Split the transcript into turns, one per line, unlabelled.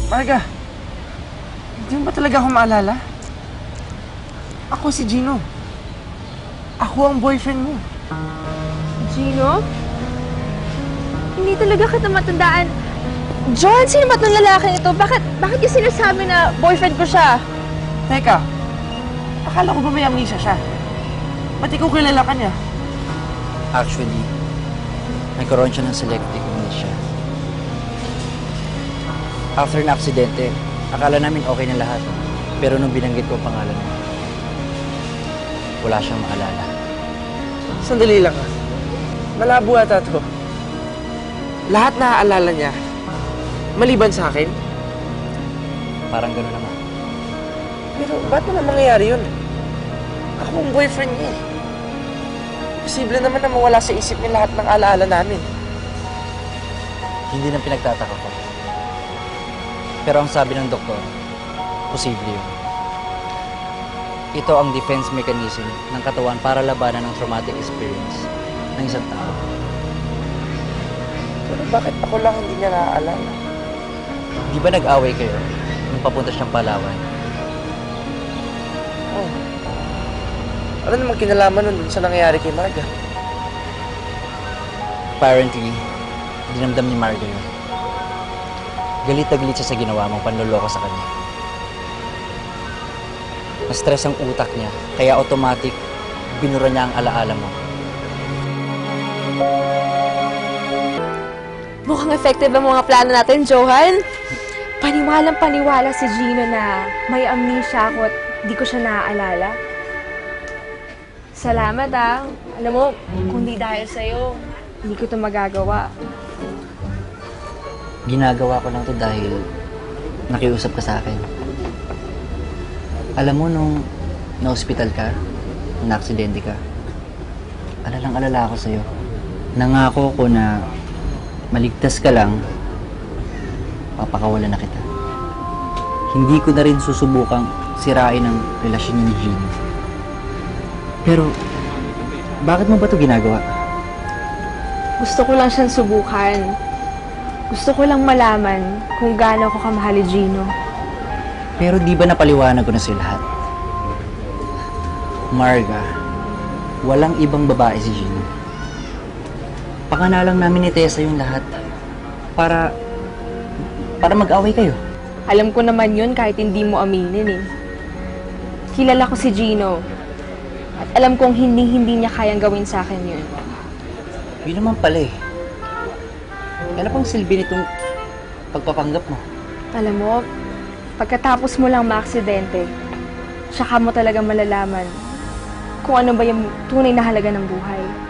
Marga, hindi mo ba talaga ako maalala? Ako si Gino. Ako ang boyfriend mo.
Gino? Hindi talaga kita matandaan. John, sino ba itong lalaking ito? Bakit yung sinasabi na boyfriend ko siya?
Teka, akala ko ba may amnesia siya? Ba't ikaw kilala ka niya?
Actually, nagkaroon siya ng selective amnesia. After na aksidente, akala namin okay na lahat. Pero nung binanggit ko ang pangalan niya, wala siyang maalala.
Sandali lang ah. Malabo ata to. Lahat naaalala niya, maliban sa akin.
Parang gano'n naman.
Pero ba't naman mangyayari yun? Ako ang boyfriend niya eh. Posible naman na mawala sa isip niya lahat ng alaala namin.
Hindi na pinagtataka ko. Pero ang sabi ng doktor, posible yun. Ito ang defense mechanism ng katawan para labanan ng traumatic experience ng isang tao.
Pero bakit ako lang hindi niya naaalala?
Di ba nag-away kayo nung papunta siyang Palawan?
Oh. Ano naman kinalaman nun sa nangyayari kay Marga?
Apparently, dinamdam ni Marga yun. Galit na galit siya sa ginawa mong panloloko sa kanya. Na-stress ang utak niya, kaya automatic, binura niya ang alaala mo.
Mukhang effective ang mga plano natin, Johan. Paniwalang-paniwala si Gino na may amnesia ako at di ko siya naaalala. Salamat ah. Alam mo, kung di dahil sa'yo, hindi ko ito magagawa.
Ginagawa ko lang to dahil nakiusap ka sa akin. Alam mo, nung na-hospital ka, na-aksidente ka, alalang-alala ako sa'yo. Nangako ko na maligtas ka lang, papakawalan na kita. Hindi ko na rin susubukang sirain ang relasyon niya ni Gino. Pero, bakit mo ba ito ginagawa?
Gusto ko lang siyang subukan. Gusto ko lang malaman kung gaano ko kamahal ni Gino.
Pero di ba napaliwanag ko na sa'yo lahat? Marga, walang ibang babae si Gino. Pakanalang namin ni Tessa yung lahat para mag-away kayo.
Alam ko naman yun kahit hindi mo aminin eh. Kilala ko si Gino. At alam kong hindi niya kayang gawin sa akin yun.
Yun naman pala eh. Ano pang silbi nitong pagpapanggap mo?
Alam mo, pagkatapos mo lang maaksidente, tsaka mo talaga malalaman kung ano ba yung tunay na halaga ng buhay.